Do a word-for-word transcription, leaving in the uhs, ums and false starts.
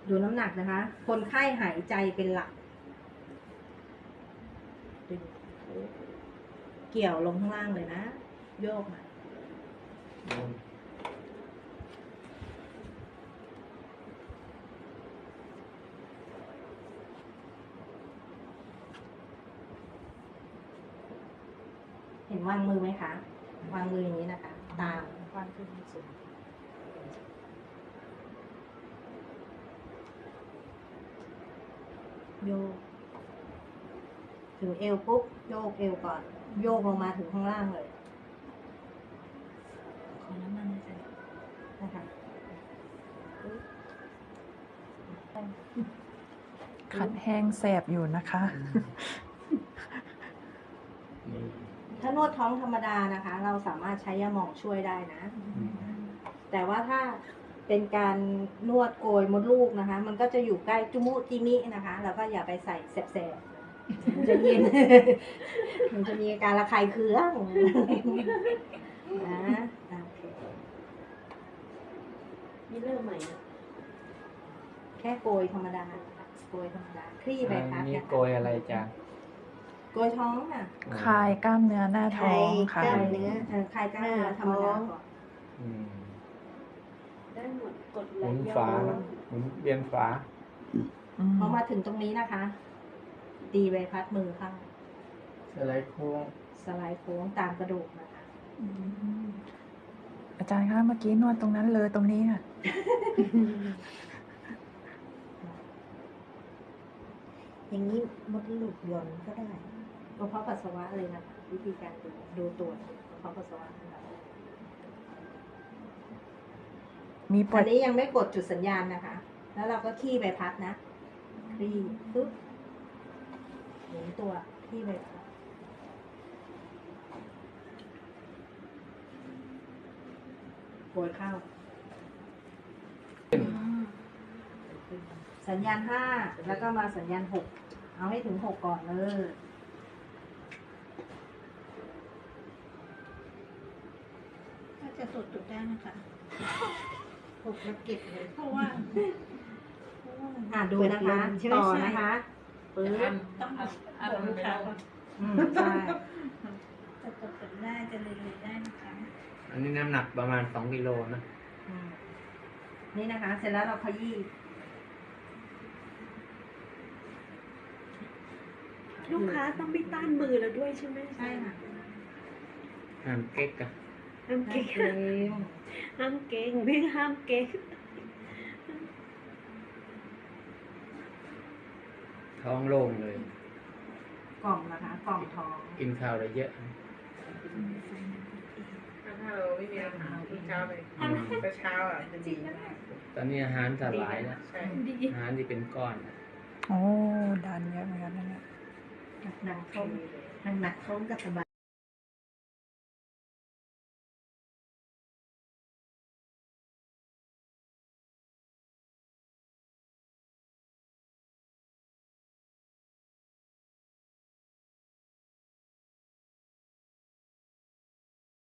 ดูน้ำหนักนะคะ คนไข้หายใจเป็นหลักดึงเกี่ยวลงข้างล่างเลยนะ โยกมาเห็นวางมือไหมคะ วางมืออย่างนี้นะคะ ตามวางขึ้นสูงโยกถึงเอวปุ๊บโยกเอวก่อน โยกลงมาถึงข้างล่างเลยขอน้ำมันใส่นะคะขัดแห้งแสบอยู่นะคะถ้านวดท้องธรรมดานะคะ เราสามารถใช้ยาหมองช่วยได้นะ แต่ว่าถ้าเป็นการนวดโกยมดลูกนะคะ มันก็จะอยู่ใกล้จุมุจิมินะคะเราก็อย่าไปใส่แสบๆมันจะเย็น มันจะมีอาการระคายเคืองนะโอเคนี่เริ่มใหม่นะแค่โกยธรรมดาโกยธรรมดาคลี่ใบพัดนี่นะคะโกยอะไรจ้ะโกยท้องค่ะคลายกล้ามเนื้อหน้าท้องค่ะคลายเนื้อเออคลายกล้ามเนื้อธรรมดาก่อนอืมได้หมดกดหไหลมุนย้ฝาอนนะหมุนเวียนฝาอืมพอมาถึงตรงนี้นะคะ ตีใบพัดมือเข้าสไลด์โค้งสไลด์โค้งตามกระดูกนะคะอาจารย์คะเมื่อกี้นวดตรงนั้นเลยตรงนี้ค่ะอย่างนี้มดลูกหย่อนก็ได้กระเพาะปัสสาวะเลยนะคะวิธีการดูดูตรวจกระเพาะปัสสาวะนะคะมีปวอัดนนี้ยังไม่กดจุดสัญญาณนะคะ แล้วเราก็ขี้ใบพัดนะคลี่ปึ๊บหมุนตัวขี้ใบพัดโกยเข้า สัญญาณห้าแล้วก็มาสัญญาณหกเอาให้ถึงหกก่อนเลยถ้าจะตรวจจุดได้นะคะหกแล้วเก็บเลยเพราะว่าอ่าดูนะคะต่อนะคะปึ๊บต้องเอาลูกค้าก่อนอืมใช่จะตรวจจุดได้จะเรียนรู้ได้นะคะอันนี้น้ำหนักประมาณสองกิโลนะอืมนี่นะคะ เสร็จแล้วเราขยี้ลูกค้าต้องไม่ต้านมือเราด้วยใช่ไหมใช่ค่ะห้ามเก๊กอะห้ามโอเก่งเคห้ามเก่งพี่ห้ามเก่งท้องโล่งเลยกล่องนะคะ กล่องท้องกินข้าวได้เยอะถ้าเราไม่มีอาหารทุกเช้าเลยแต่เช้าอ่ะจะดีมากตอนนี้อาหารสลายแล้วใช่ดีอาหารที่เป็นก้อนโอ้ดันเยอะเหมือนกันนะเนี่ยหนักท้องหนักท้องกับสบาย